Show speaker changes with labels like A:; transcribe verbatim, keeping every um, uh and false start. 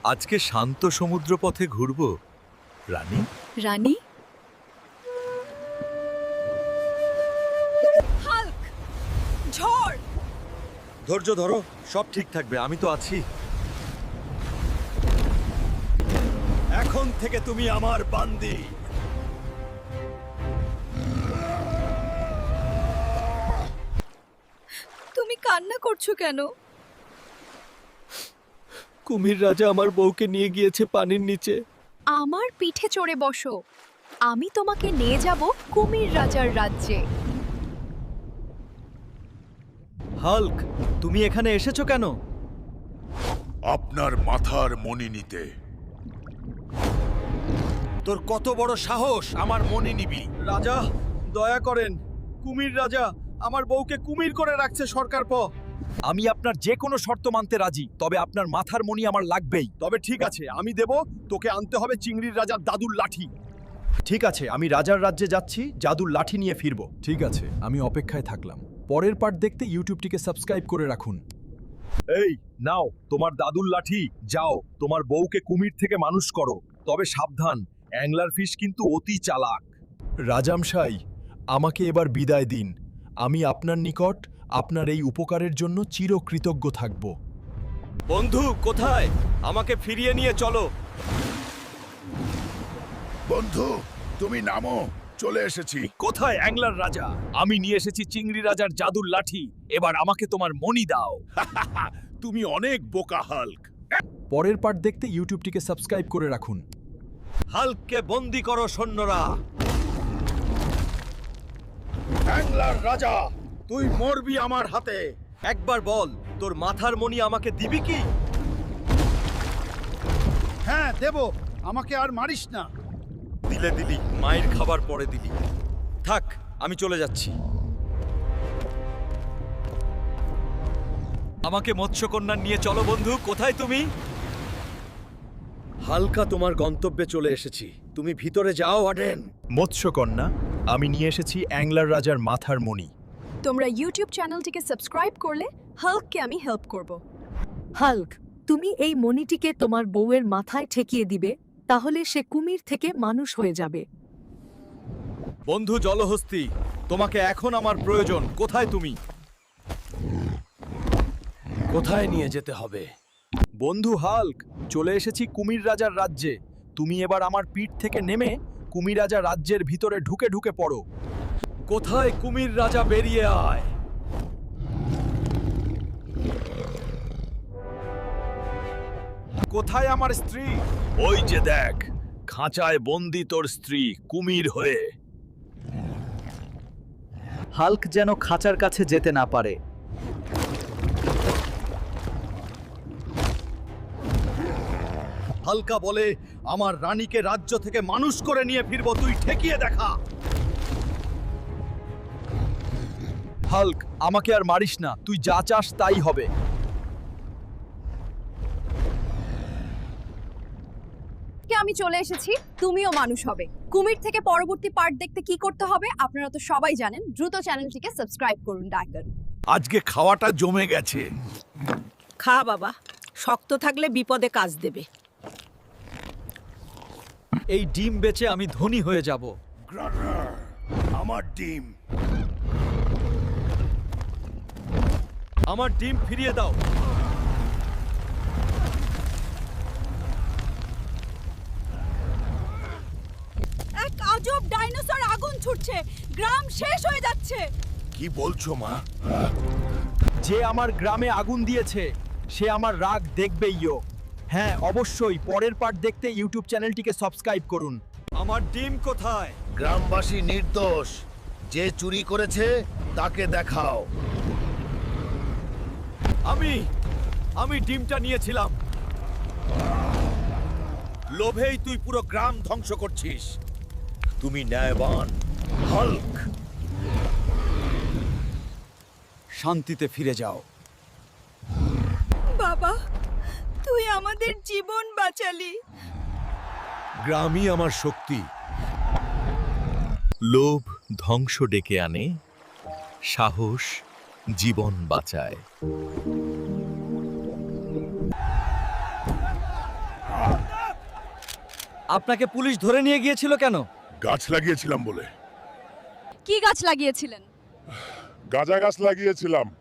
A: আজকে শান্ত সমুদ্র পথে ঘুরব রানী।
B: রানী হাল্ক ঝড়
A: ধৈর্য ধরো, সব ঠিক থাকবে, আমি তো আছি। এখন থেকে তুমি আমার বান্দি।
B: তুমি কান্না করছো কেন?
A: কুমির রাজা আমার বউকে নিয়ে গিয়েছে পানির নিচে।
B: আমার পিঠে চড়ে বসো, আমি তোমাকে নিয়ে যাব কুমির রাজার রাজ্যে।
A: হাল্ক, তুমি এখানে এসেছো কেন?
C: আপনার মাথার মণি নিতে।
A: তোর কত বড় সাহস আমার মনে নিবি? রাজা দয়া করেন, কুমির রাজা আমার বউকে কুমির করে রাখছে সরকার প। আমি আপনার যে কোনো শর্ত মানতে রাজি, তবে আপনার মাথার মণি আমার লাগবেই। তবে ঠিক আছে, আমি দেব। তোকে আনতে হবে চিংড়ির রাজার দাদুর লাঠি। ঠিক আছে, আমি রাজার রাজ্যে যাচ্ছি, জাদুর লাঠি নিয়ে ফিরব। ঠিক আছে, আমি অপেক্ষায় থাকলাম। পরের পার্ট দেখতে ইউটিউবটিকে সাবস্ক্রাইব করে রাখুন। এই নাও তোমার দাদুর লাঠি, যাও তোমার বউকে কুমির থেকে মানুষ করো। তবে সাবধান, অ্যাংলার ফিশ কিন্তু অতি চালাক। রাজামশাই, আমাকে এবার বিদায় দিন। আমি আপনার নিকট আপনার এই উপকারের জন্য চিরকৃতজ্ঞ থাকব। বন্ধু কোথায়? আমাকে ফিরিয়ে নিয়ে চলো।
C: বন্ধু, তুমি নামো, চলে এসেছি।
A: কোথায় অ্যাংলার রাজা? আমি নিয়ে এসেছি চিংড়ি রাজার জাদুর লাঠি। এবার আমাকে তোমার মণি দাও।
C: তুমি অনেক বোকা হাল্ক।
A: পরের পার্ট দেখতে ইউটিউবটিকে সাবস্ক্রাইব করে রাখুন। হাল্ককে বন্দি করো সৈন্যরা।
C: অ্যাংলার রাজা, তুই মরবি আমার হাতে।
A: একবার বল, তোর মাথার মণি আমাকে দিবি কি?
C: হ্যাঁ দেব, আমাকে আর মারিস না।
A: দিলে দিলি, মায়ের খাবার পরে দিলি। থাক, আমি চলে যাচ্ছি। আমাকে মৎস্যকন্যা নিয়ে চলো বন্ধু। কোথায় তুমি? হালকা তোমার গন্তব্যে চলে এসেছি, তুমি ভিতরে যাও আডেন। মৎস্যকন্যা, আমি নিয়ে এসেছি অ্যাংলার রাজার মাথার মণি।
B: তোমরা ইউটিউব চ্যানেলটিকে সাবস্ক্রাইব করলে হাল্ককে আমি হেল্প করব। হাল্ক, তুমি এই মণিটিকে তোমার বউয়ের মাথায় ঠেকিয়ে দিবে, তাহলে সে কুমির থেকে মানুষ হয়ে যাবে।
A: বন্ধু জলহস্তি, তোমাকে এখন আমার প্রয়োজন। কোথায় তুমি? কোথায় নিয়ে যেতে হবে? বন্ধু হাল্ক, চলে এসেছি কুমির রাজার রাজ্যে। তুমি এবার আমার পিঠ থেকে নেমে কুমির রাজা রাজ্যের ভিতরে ঢুকে ঢুকে পড়ো। কোথায় কুমির রাজা? বেরিয়ে আয়। কোথায় আমার স্ত্রী? ওই যে দেখ, খাঁচায় বন্দি তোর স্ত্রী কুমির হয়ে।
D: হাল্ক যেন খাঁচার কাছে যেতে না পারে।
A: হালকা বলে, আমার রানীকে রাজ্য থেকে মানুষ করে নিয়ে ফিরবো, তুই ঠেকিয়ে দেখা। হাল্ক, আমাকে আর মারিস না, তুই যা চাস তাই হবে।
B: আমি চলে এসেছি, তুমিও মানুষ হবে। কুমির থেকে পরবর্তী পার্ট দেখতে কি করতে হবে আপনারা তো সবাই জানেন। দ্রুত চ্যানেলটিকে সাবস্ক্রাইব করুন। ডাকন
C: আজকে খাওয়াটা জমে গেছে।
E: খা বাবা, শক্ত থাকলে বিপদে কাজ দেবে।
A: এই ডিম বেচে আমি ধনী হয়ে যাব।
C: গ্রাডার, আমার ডিম।
A: আমার ডিম ফিরিয়ে দাও।
B: এক আজব ডাইনোসর আগুন ছুটছে, গ্রাম শেষ হয়ে যাচ্ছে।
C: কি বলছো মা?
A: যে আমার গ্রামে আগুন দিয়েছে সে আমার রাগ দেখবেইও। হ্যাঁ অবশ্যই, পরের পার্ট দেখতে ইউটিউব চ্যানেলটিকে সাবস্ক্রাইব করুন। আমার ডিম কোথায়?
C: গ্রামবাসী নির্দোষ, যে চুরি করেছে তাকে দেখাও।
A: আমি আমি ডিমটা নিয়েছিলাম।
C: লোভেই তুই পুরো গ্রাম ধ্বংস করছিস। তুমি ন্যায়বান হাল্ক।
A: শান্তিতে ফিরে যাও।
B: বাবা, তুই আমাদের জীবন বাঁচালি।
A: গ্রামই আমার শক্তি। লোভ ধ্বংস ডেকে আনে, সাহস জীবন বাঁচায়। আপনাকে পুলিশ ধরে নিয়ে গিয়েছিল কেন?
F: গাছ লাগিয়েছিলাম বলে।
G: কি গাছ লাগিয়েছিলেন?
F: গাঁজা গাছ লাগিয়েছিলাম।